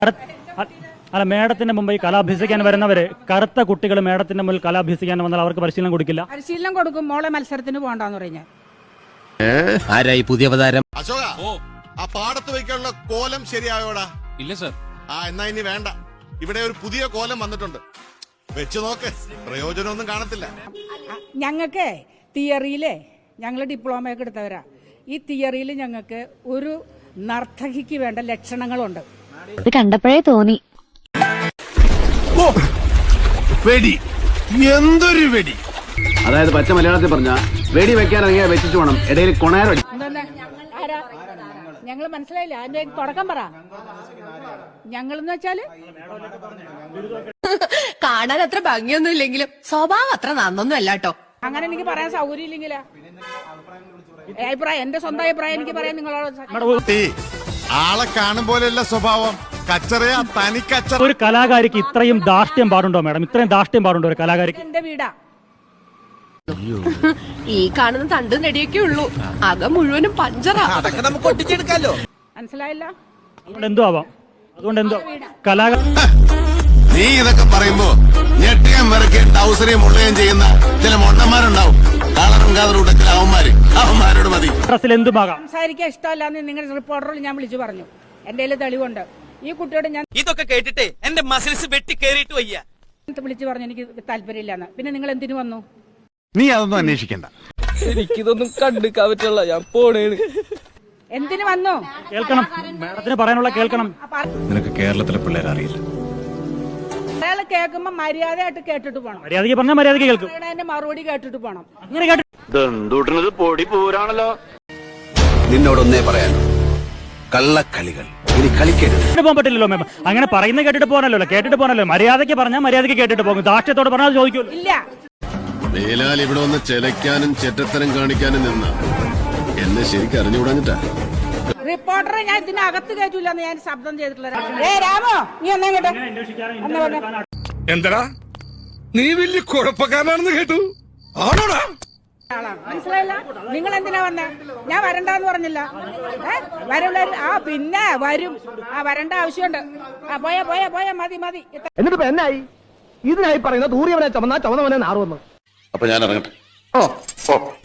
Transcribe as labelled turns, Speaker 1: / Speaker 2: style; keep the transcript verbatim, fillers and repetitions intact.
Speaker 1: അല്ല, മേഡത്തിന്റെ മുമ്പ് ഈ കല അഭ്യസിക്കാൻ വരുന്നവര് കറുത്ത കുട്ടികൾ മേഡത്തിന്റെ മുന്നിൽ കല അഭ്യസിക്കാൻ വന്നാൽ അവർക്ക് പരിശീലനം കൊടുക്കില്ല?
Speaker 2: പരിശീലനം കൊടുക്കും. മോളെ മത്സരത്തിന് പോകണ്ടെന്ന് പറഞ്ഞാൽ
Speaker 3: ആരായി പുതിയ അവതാരം?
Speaker 4: അശോക, ആ പാടത്ത് വയ്ക്കാനുള്ള കോലം ശരിയായോടാ?
Speaker 5: ഇല്ല സർ.
Speaker 4: ആ എന്നാ ഇനി വേണ്ട. ഇവിടെ ഒരു പുതിയ കോലം വന്നിട്ടുണ്ട്, വെച്ച് നോക്ക്. പ്രയോജനമൊന്നും കാണത്തില്ല.
Speaker 2: ഞങ്ങൾക്ക് തിയറിയിലെ ഞങ്ങൾ ഡിപ്ലോമ ഒക്കെ എടുത്തവരാ. ഈ തിയറിയിൽ ഞങ്ങൾക്ക് ഒരു നർത്തകിക്ക് വേണ്ട ലക്ഷണങ്ങളുണ്ട്.
Speaker 6: ഇത് കണ്ടപ്പോഴേ തോന്നി.
Speaker 3: വെടി, എന്തൊരു വെടി! അതായത് പച്ച മലയാളത്തിൽ പറഞ്ഞ വെടി വെക്കാൻ ഇറങ്ങിയ വെച്ചിട്ട് വേണം ഇടയിൽ കൊണയറടി.
Speaker 2: ആരാ ഞങ്ങൾ മനസ്സിലായില്ല. അതിന്റെ തുടക്കം പറ. ഞങ്ങളെന്ന് വെച്ചാല്
Speaker 7: കാണാൻ അത്ര ഭംഗിയൊന്നും ഇല്ലെങ്കിലും സ്വഭാവം അത്ര നന്നൊന്നും അല്ല കേട്ടോ.
Speaker 2: അങ്ങനെ എനിക്ക് പറയാൻ സൗകര്യം ഇല്ലെങ്കിലാ അഭിപ്രായം, എന്റെ സ്വന്തം അഭിപ്രായം എനിക്ക് പറയാൻ നിങ്ങളോട്.
Speaker 4: ആളെ കാണും പോലെയല്ല സ്വഭാവം, കച്ചറയാ, തനി കച്ചറ.
Speaker 1: ഒരു കലാകാരിക്ക് ഇത്രയും ധാർഷ്ട്യം പാടുണ്ടോ മാഡം? ഇത്രയും ധാർഷ്ട്യം പാടുണ്ടോ ഒരു കലാകാരിക്ക്?
Speaker 2: എന്റെ വീടാ.
Speaker 7: ഈ കാണുന്ന തണ്ടും നെടിയൊക്കെ ഉള്ളൂ, അകം മുഴുവനും പഞ്ചറാ.
Speaker 3: അതൊക്കെ നമുക്ക് ഒട്ടിച്ചെടുക്കാലോ.
Speaker 2: മനസ്സിലായില്ല?
Speaker 1: അതുകൊണ്ട് എന്തോ ആവാം. അതുകൊണ്ട് എന്തോ കലാകാരൻ
Speaker 4: നീ ഇതൊക്കെ പറയുമ്പോ ഞെട്ടിയാൻ വിറക്കുകയും ടൗസറിയും മുള്ളുകയും ചെയ്യുന്ന ചില മൊണ്ണന്മാരുണ്ടാവും. കളറും കാതറും ചില അവന്മാര്, അവന്മാരോട് മതി.
Speaker 1: ഡ്രസ്സിൽ എന്തുമാകാം.
Speaker 2: സംസാരിക്കാൻ ഇഷ്ടമല്ലാന്ന് നിങ്ങളുടെ റിപ്പോർട്ടറിൽ ഞാൻ വിളിച്ചു പറഞ്ഞു. എന്റെ കയ്യിൽ തെളിവുണ്ട്. ഈ കുട്ടിയോട് ഞാൻ
Speaker 5: ഇതൊക്കെ കേട്ടിട്ട് എന്റെ മസിൽസ് വെട്ടി കേറിയിട്ട് വയ്യ.
Speaker 2: വിളിച്ചു പറഞ്ഞു എനിക്ക് താല്പര്യമില്ലാന്ന്. പിന്നെ നിങ്ങൾ എന്തിനു വന്നു?
Speaker 4: നീ അതൊന്നും അന്വേഷിക്കണ്ട.
Speaker 5: എനിക്കിതൊന്നും കണ്ടുക്കാൻ പറ്റില്ല, ഞാൻ പോണേണ്.
Speaker 2: എന്തിനു വന്നു?
Speaker 1: കേൾക്കണം, മാഡത്തിന് പറയാനുള്ള കേൾക്കണം.
Speaker 4: നിനക്ക് കേരളത്തിലെ പിള്ളേരെ അറിയില്ല.
Speaker 2: അയാൾ കേൾക്കുമ്പോ മര്യാദയായിട്ട് കേട്ടിട്ട് പോണം.
Speaker 1: മര്യാദയ്ക്ക് പറഞ്ഞാൽ മര്യാദയ്ക്ക് കേൾക്കും.
Speaker 2: അതിന്റെ മറുപടി കേട്ടിട്ട് പോണം.
Speaker 1: അങ്ങനെ കേട്ടു
Speaker 3: പൊടി പോരാണല്ലോ. നിന്നോടൊന്നേ പറയാൻ, കള്ളക്കളികൾ ഇനി കളിക്കരുത്.
Speaker 1: പോകാൻ പറ്റില്ലല്ലോ മാം. അങ്ങനെ പറയുന്ന കേട്ടിട്ട് പോകാനല്ലോ, കേട്ടിട്ട് പോകാനല്ലോ. മര്യാദയ്ക്ക് പറഞ്ഞാൽ മര്യാദയ്ക്ക് കേട്ടിട്ട് പോകും. ധാർഷ്ട്യത്തോട് പറഞ്ഞാൽ ചോദിക്കുമല്ലോ.
Speaker 2: ഇല്ല.
Speaker 4: മേലാൽ ഇവിടെ വന്ന് ചെലക്കാനും ചെറ്റത്തരം കാണിക്കാനും നിന്ന എന്നെ ശരിക്കും അറിഞ്ഞുകൂടാഞ്ഞിട്ടാ.
Speaker 2: റിപ്പോർട്ടറെ ഞാൻ ഇതിനകത്ത് കയറ്റൂലെന്ന് ഞാൻ ശബ്ദം ചെയ്തിട്ടുള്ള. ഏ രാമോ, നീ ഒന്നാ കേട്ടോ.
Speaker 8: എന്തടാ, നീ വലിയ കുഴപ്പക്കാരനാണെന്ന് കേട്ടു. ആണോടാ?
Speaker 2: മനസ്സിലായില്ല? നിങ്ങൾ എന്തിനാ വന്നേ? ഞാൻ വരണ്ടെന്ന് പറഞ്ഞില്ല. ഏഹ് വരും. ആ പിന്നെ വരും. ആ വരണ്ട ആവശ്യമുണ്ട്. ആ പോയാ പോയാ പോയാ മതി മതി.
Speaker 9: എന്നിട്ട് എന്നായി? ഇതിനായി പറയുന്ന തൂറിയവനെ ചുമന്ന ചുമന്നവനെ നാറുവന്നു.
Speaker 4: അപ്പൊ ഞാൻ ഇറങ്ങട്ടെ.
Speaker 9: ഓ ഓ